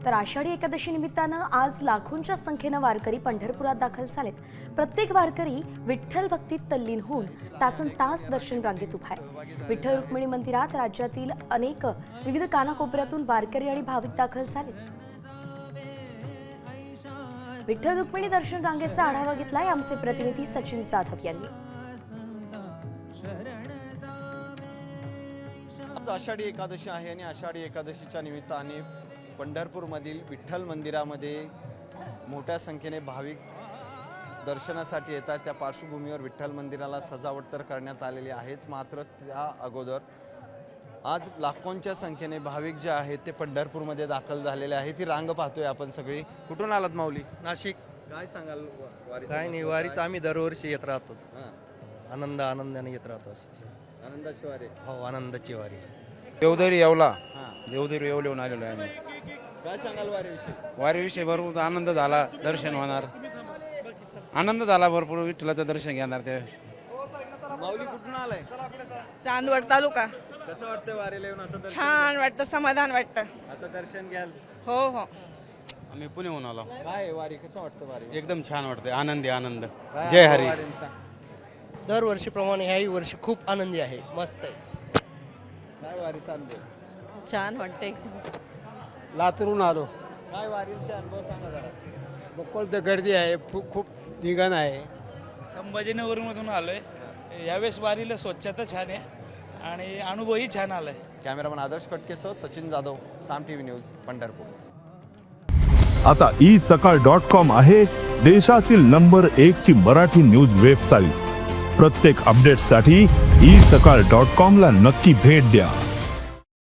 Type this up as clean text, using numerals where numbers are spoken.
तर आषाढी एकादशी निमित्तानं आज लाखोंच्या संख्येनं वारकरी पंढरपुरात दाखल झालेत। प्रत्येक वारकरी विठ्ठल भक्तीत तल्लीन होऊन तासनतास दर्शन रांगेत उभा आहे। विठ्ठल रुक्मिणी मंदिरात राज्यातील अनेक विविध कानाकोपऱ्यातून वारकरी आणि भाविक दाखल झालेत। विठ्ठल रुक्मिणी दर्शन रांगेचा आढावा घेतलाय आमचे प्रतिनिधी सचिन जाधव यांनी। आषाढी एकादशी आहे आणि आषाढी एकादशीच्या निमित्ताने पंढरपूरमधील विठ्ठल मंदिरामध्ये मोठ्या संख्येने भाविक दर्शनासाठी येतात। त्या पार्श्वभूमीवर विठ्ठल मंदिराला सजावट तर करण्यात आलेली आहेच, मात्र त्या अगोदर आज लाखोंच्या संख्येने भाविक जे आहेत ते पंढरपूरमध्ये दाखल झालेले आहेत। ती रांग पाहतोय आपण सगळी। कुठून आलात माऊली? नाशिक। काय सांगाल वारी? काय नाही, वारीच आम्ही दरवर्षी येत राहतो। आनंदाने येत राहतो। आनंदाची वारी? हो, आनंदाची वारी। देवदरी येवला, देवदरी येवलेहून आलेलो आहे आम्ही। काय सांगाल वारीविषयी? वारीविषयी भरपूर आनंद झाला, दर्शन होणार, आनंद झाला भरपूर, विठ्ठलाचं दर्शन घेणार त्या। माऊली कुठून आलाय? चांदवड तालुका। कसं वाटतं वारीला येऊन आता? छान वाटतं, समाधान वाटतं। आता दर्शन घ्याल? हो हो। आम्ही पुण्याहून आलो। काय वारी कसं वाटतं? वारी एकदम छान वाटते, आनंदी आनंद। काय जय हरी। वारींचा? दरवर्षीप्रमाणे ह्याही वर्षी खूप आनंदी आहे, मस्त आहे। काय वारीचा अनुभव? छान वाटतं एकदम। लातूरून आलो। काय वारीचा अनुभव सांगा जरा। बक्कल तर गर्दी आहे, खूप निघण आहे। संभाजीनगरमधून आलोय। यावेळेस वारीला स्वच्छता छान आहे आणि अनुभवही छान आलाय। कॅमेरामन आदर्श कटकेसह सचिन जाधव, साम टीव्ही न्यूज, पंढरपूर। आता isakal.com आहे देशातील नंबर 1 ची मराठी न्यूज वेबसाईट। प्रत्येक अपडेटसाठी isakal.com ला नक्की भेट द्या।